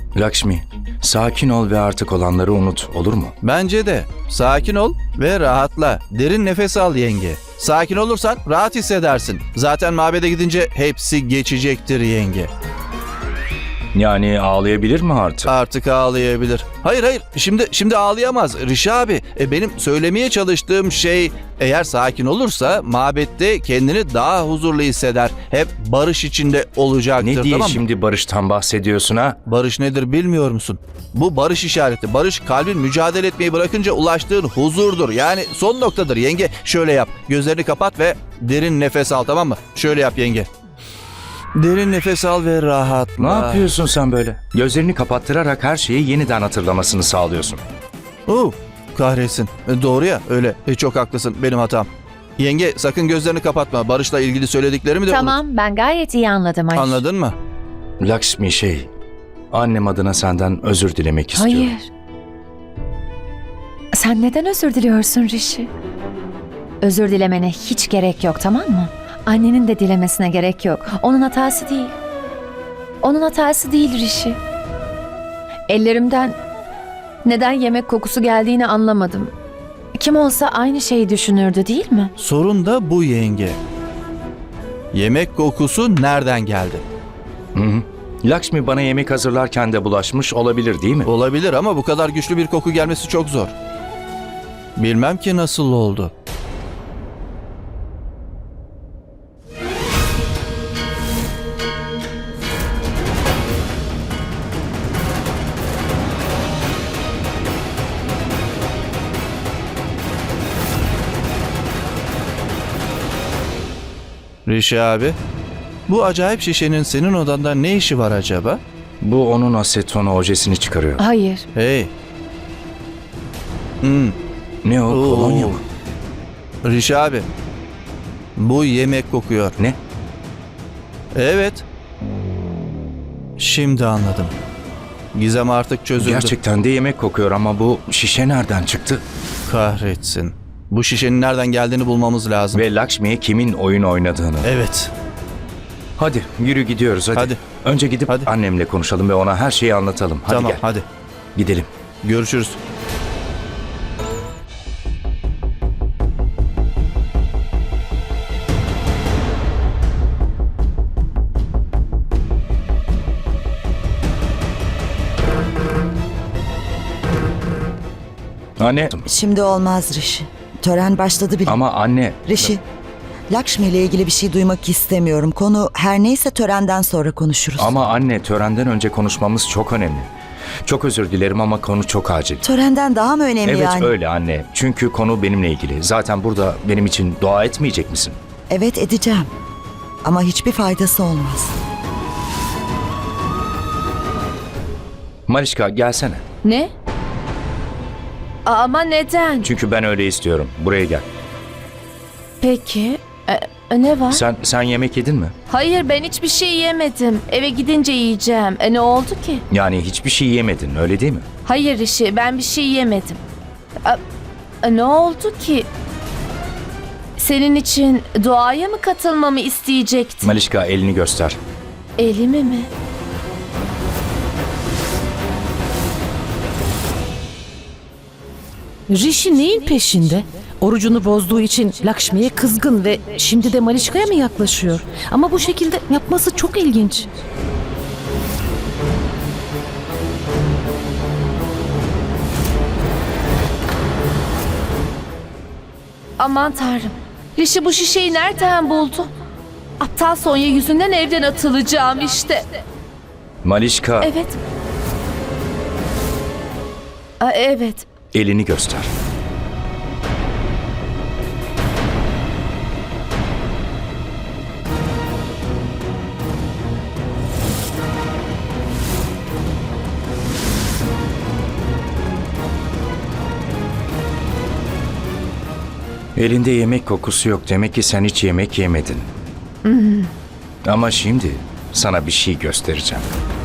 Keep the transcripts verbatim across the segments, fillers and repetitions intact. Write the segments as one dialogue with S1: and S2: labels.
S1: Lakshmi, sakin ol ve artık olanları unut, olur mu?
S2: Bence de. Sakin ol ve rahatla. Derin nefes al yenge. Sakin olursan rahat hissedersin. Zaten mabede gidince hepsi geçecektir yenge.
S1: Yani ağlayabilir mi artık?
S2: Artık ağlayabilir. Hayır hayır şimdi şimdi ağlayamaz Rişi abi. E, benim söylemeye çalıştığım şey eğer sakin olursa mabette kendini daha huzurlu hisseder. Hep barış içinde olacaktır.
S1: Ne diye
S2: tamam mı?
S1: şimdi barıştan bahsediyorsun ha?
S2: Barış nedir bilmiyor musun? Bu barış işareti. Barış kalbin mücadele etmeyi bırakınca ulaştığın huzurdur. Yani son noktadır yenge. Şöyle yap. Gözlerini kapat ve derin nefes al, tamam mı? Şöyle yap yenge. Derin nefes al ve rahatla.
S1: Ne yapıyorsun sen böyle? Gözlerini kapattırarak her şeyi yeniden hatırlamasını sağlıyorsun.
S2: Oo, kahretsin. E, doğru ya öyle. E, çok haklısın. Benim hatam. Yenge sakın gözlerini kapatma. Barış'la ilgili söylediklerimi de
S3: Tamam, ben gayet iyi anladım
S2: unut.
S3: Ayşe.
S2: Anladın mı?
S1: Lakshmi şey, annem adına senden özür dilemek istiyorum.
S3: Hayır. Sen neden özür diliyorsun Rishi? Özür dilemene hiç gerek yok, tamam mı? Annenin de dilemesine gerek yok. Onun hatası değil. Onun hatası değil Rishi. Ellerimden neden yemek kokusu geldiğini anlamadım. Kim olsa aynı şeyi düşünürdü, değil mi?
S2: Sorun da bu yenge. Yemek kokusu nereden geldi?
S1: Hı hı. Lakshmi bana yemek hazırlarken de bulaşmış olabilir değil mi?
S2: Olabilir ama bu kadar güçlü bir koku gelmesi çok zor. Bilmem ki nasıl oldu. Rişi abi, bu acayip şişenin senin odanda ne işi var acaba?
S1: Bu onun asetonu ojesini çıkarıyor.
S3: Hayır.
S2: Hey. Hmm.
S1: Ne o,
S2: Oo.
S1: kolonya mı?
S2: Rişi abi, bu yemek kokuyor.
S1: Ne?
S2: Evet. Şimdi anladım. Gizem artık çözüldü.
S1: Gerçekten de yemek kokuyor ama bu şişe nereden çıktı?
S2: Kahretsin. Bu şişenin nereden geldiğini bulmamız lazım.
S1: Ve Lakshmi'ye kimin oyun oynadığını.
S2: Evet.
S1: Hadi yürü gidiyoruz hadi.
S2: Hadi.
S1: Önce gidip
S2: Hadi.
S1: annemle konuşalım ve ona her şeyi anlatalım. Hadi
S2: tamam
S1: gel.
S2: hadi.
S1: Gidelim.
S2: Görüşürüz.
S1: Anne.
S4: Şimdi olmaz Rishi. Tören başladı bile.
S1: Ama anne.
S4: Rishi, Lakshmi ile ilgili bir şey duymak istemiyorum. Konu her neyse törenden sonra konuşuruz.
S1: Ama anne törenden önce konuşmamız çok önemli. Çok özür dilerim ama konu çok acil.
S4: Törenden daha mı önemli
S1: Evet
S4: yani?
S1: öyle anne. Çünkü konu benimle ilgili. Zaten burada benim için dua etmeyecek misin?
S4: Evet edeceğim. Ama hiçbir faydası olmaz.
S1: Malişka gelsene.
S3: Ne? Ama neden?
S1: Çünkü ben öyle istiyorum. Buraya gel.
S3: Peki. E, ne var?
S1: Sen sen yemek yedin mi?
S3: Hayır, ben hiçbir şey yemedim. Eve gidince yiyeceğim. E ne oldu ki?
S1: Yani hiçbir şey yemedin öyle değil mi?
S3: Hayır Rishi, ben bir şey yemedim. A- a- ne oldu ki? Senin için duaya mı katılmamı isteyecektin?
S1: Malişka elini göster.
S3: Elimi mi?
S5: Rishi neyin peşinde? Orucunu bozduğu için Lakshmi'ye kızgın ve şimdi de Malişka'ya mı yaklaşıyor? Ama bu şekilde yapması çok ilginç.
S3: Aman tanrım. Rishi bu şişeyi nereden buldu? Aptal Sonya yüzünden evden atılacağım işte.
S1: Malişka
S3: Evet. A, evet.
S1: elini göster. Elinde yemek kokusu yok. Demek ki sen hiç yemek yemedin. Ama şimdi sana bir şey göstereceğim.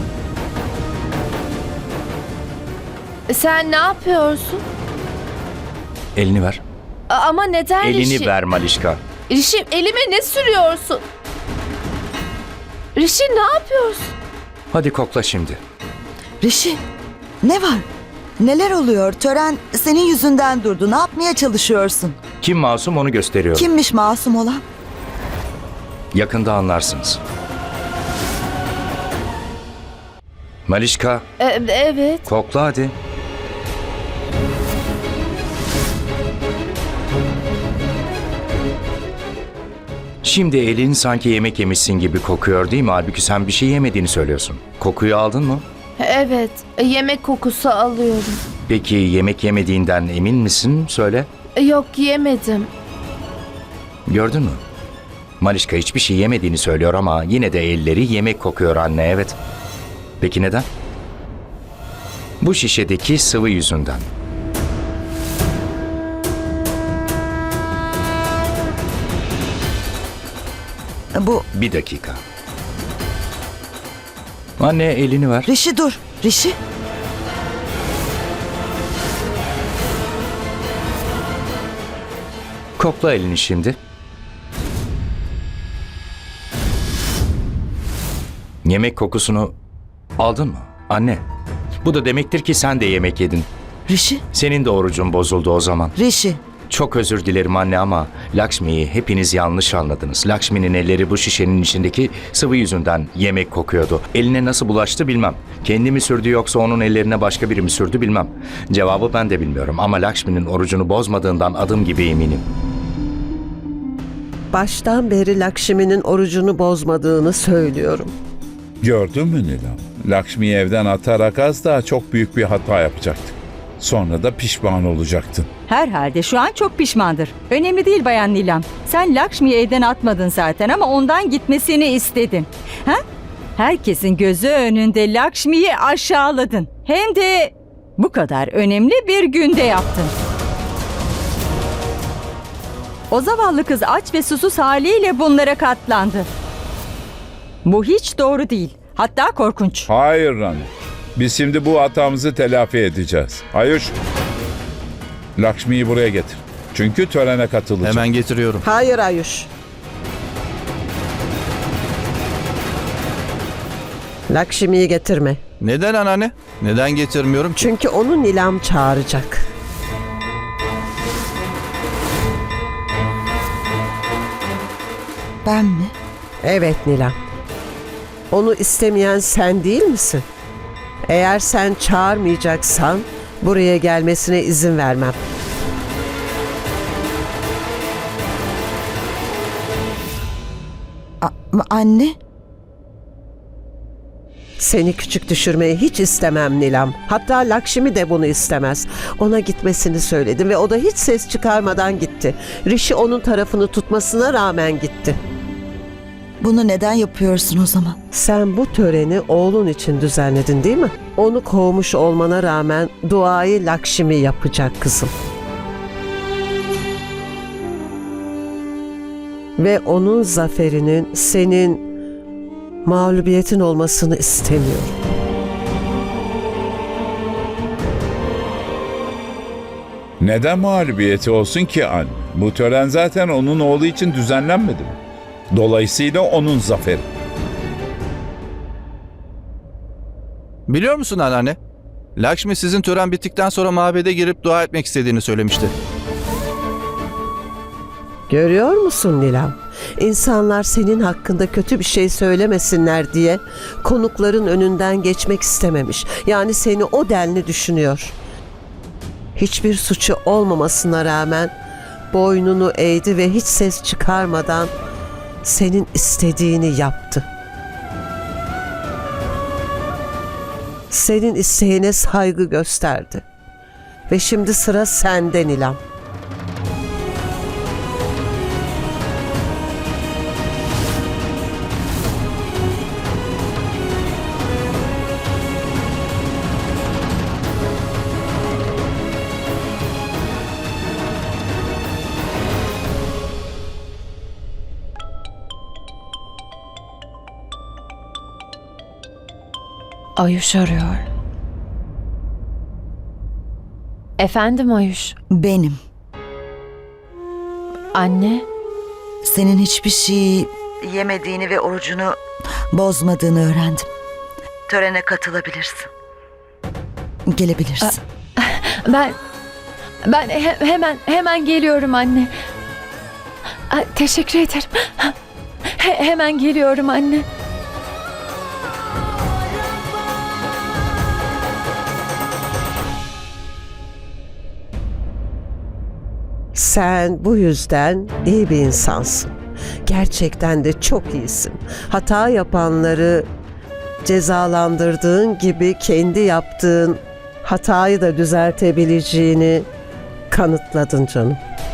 S3: Sen ne yapıyorsun?
S1: Elini ver.
S3: A- ama neden
S1: Elini
S3: Rishi?
S1: ver Malişka.
S3: Rishi, elime ne sürüyorsun? Rishi, ne yapıyorsun?
S1: Hadi kokla şimdi.
S4: Rişi, ne var? Neler oluyor? Tören senin yüzünden durdu. Ne yapmaya çalışıyorsun?
S1: Kim masum onu gösteriyorum.
S4: Kimmiş masum olan?
S1: Yakında anlarsınız. Malişka,
S3: E, evet.
S1: kokla hadi. Şimdi elin sanki yemek yemişsin gibi kokuyor değil mi? Halbuki sen bir şey yemediğini söylüyorsun. Kokuyu aldın mı?
S3: Evet. Yemek kokusu alıyorum.
S1: Peki yemek yemediğinden emin misin? Söyle.
S3: Yok, yemedim.
S1: Gördün mü? Malişka hiçbir şey yemediğini söylüyor ama yine de elleri yemek kokuyor anne, evet. Peki neden? Bu şişedeki sıvı yüzünden.
S4: Bu
S1: Bir dakika. Anne elini ver.
S4: Rişi dur. Rişi.
S1: Kokla elini şimdi. Yemek kokusunu aldın mı? Anne. Bu da demektir ki sen de yemek yedin.
S4: Rişi.
S1: Senin de orucun bozuldu o zaman.
S4: Rişi.
S1: Çok özür dilerim anne ama Lakshmi'yi hepiniz yanlış anladınız. Lakshmi'nin elleri bu şişenin içindeki sıvı yüzünden yemek kokuyordu. Eline nasıl bulaştı bilmem. Kendi mi sürdü yoksa onun ellerine başka biri mi sürdü bilmem. Cevabı ben de bilmiyorum ama Lakshmi'nin orucunu bozmadığından adım gibi eminim.
S6: Baştan beri Lakşmi'nin orucunu bozmadığını söylüyorum.
S7: Gördün mü Nilam? Lakshmi'yi evden atarak az daha çok büyük bir hata yapacaktık. Sonra da pişman olacaktın.
S8: Herhalde şu an çok pişmandır. Önemli değil Bayan Nilam. Sen Lakshmi'yi evden atmadın zaten ama ondan gitmesini istedin. Ha? Herkesin gözü önünde Lakshmi'yi aşağıladın. Hem de bu kadar önemli bir günde yaptın. O zavallı kız aç ve susuz haliyle bunlara katlandı. Bu hiç doğru değil. Hatta korkunç.
S7: Hayır Rani. Biz şimdi bu hatamızı telafi edeceğiz. Ayuş, Lakshmi'yi buraya getir. Çünkü törene katılacak.
S2: Hemen getiriyorum.
S6: Hayır Ayuş. Lakşmi'yi getirme.
S2: Neden anneanne? Neden getirmiyorum ki?
S6: Çünkü onu Nilam çağıracak.
S4: Ben mi?
S6: Evet Nilam. Onu istemeyen sen değil misin? Eğer sen çağırmayacaksan buraya gelmesine izin vermem.
S4: A- anne.
S6: Seni küçük düşürmeyi hiç istemem Nilam. Hatta Lakşmi de bunu istemez. Ona gitmesini söyledim ve o da hiç ses çıkarmadan gitti. Rishi onun tarafını tutmasına rağmen gitti.
S4: Bunu neden yapıyorsun o zaman?
S6: Sen bu töreni oğlun için düzenledin değil mi? Onu kovmuş olmana rağmen duayı Lakşmi yapacak kızım. Ve onun zaferinin senin mağlubiyetin olmasını istemiyorum.
S7: Neden mağlubiyeti olsun ki anne? Bu tören zaten onun oğlu için düzenlenmedi mi? Dolayısıyla onun zaferi.
S2: Biliyor musun anneanne? Lakshmi sizin tören bittikten sonra mabede girip dua etmek istediğini söylemişti.
S6: Görüyor musun Nilam? İnsanlar senin hakkında kötü bir şey söylemesinler diye konukların önünden geçmek istememiş. Yani seni o denli düşünüyor. Hiçbir suçu olmamasına rağmen boynunu eğdi ve hiç ses çıkarmadan senin istediğini yaptı. Senin isteğine saygı gösterdi. Ve şimdi sıra sende Nilam.
S3: Ayuş arıyor. Efendim Ayuş.
S4: Benim.
S3: Anne.
S4: Senin hiçbir şey yemediğini ve orucunu bozmadığını öğrendim. Törene katılabilirsin. Gelebilirsin.
S3: Ben ben he- hemen hemen geliyorum anne. Ay, teşekkür ederim. He- hemen geliyorum anne.
S6: Sen bu yüzden iyi bir insansın. Gerçekten de çok iyisin. Hata yapanları cezalandırdığın gibi kendi yaptığın hatayı da düzeltebileceğini kanıtladın canım.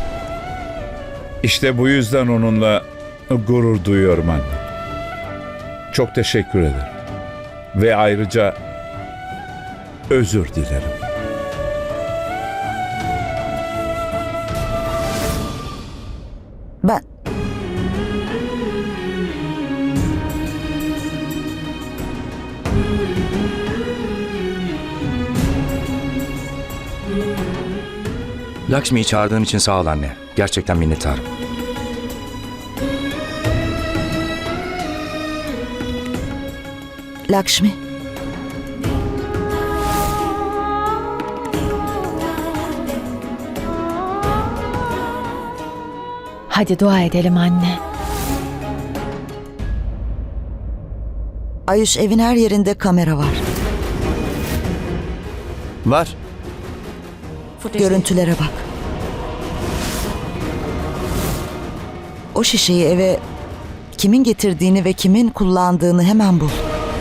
S7: İşte bu yüzden onunla gurur duyuyorum anne. Çok teşekkür ederim. Ve ayrıca özür dilerim.
S4: Ben
S1: Lakshmi'yi çağırdığın için sağ ol anne. Gerçekten minnettarım.
S4: Lakshmi.
S3: Hadi dua edelim anne.
S4: Ayuş, evin her yerinde kamera var.
S2: Var.
S4: Görüntülere bak. O şişeyi eve kimin getirdiğini ve kimin kullandığını hemen bul.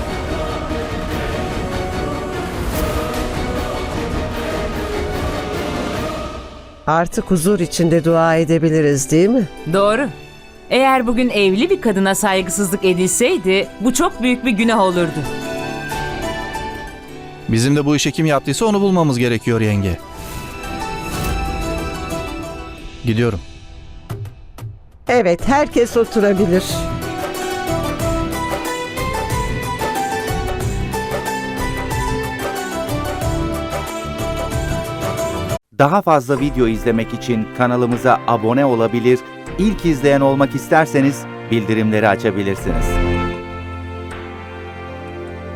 S6: Artık huzur içinde dua edebiliriz, değil mi?
S9: Doğru. Eğer bugün evli bir kadına saygısızlık edilseydi bu çok büyük bir günah olurdu.
S2: Bizim de bu işi kim yaptıysa onu bulmamız gerekiyor yenge. Gidiyorum.
S6: Evet, herkes oturabilir.
S10: Daha fazla video izlemek için kanalımıza abone olabilir, ilk izleyen olmak isterseniz bildirimleri açabilirsiniz.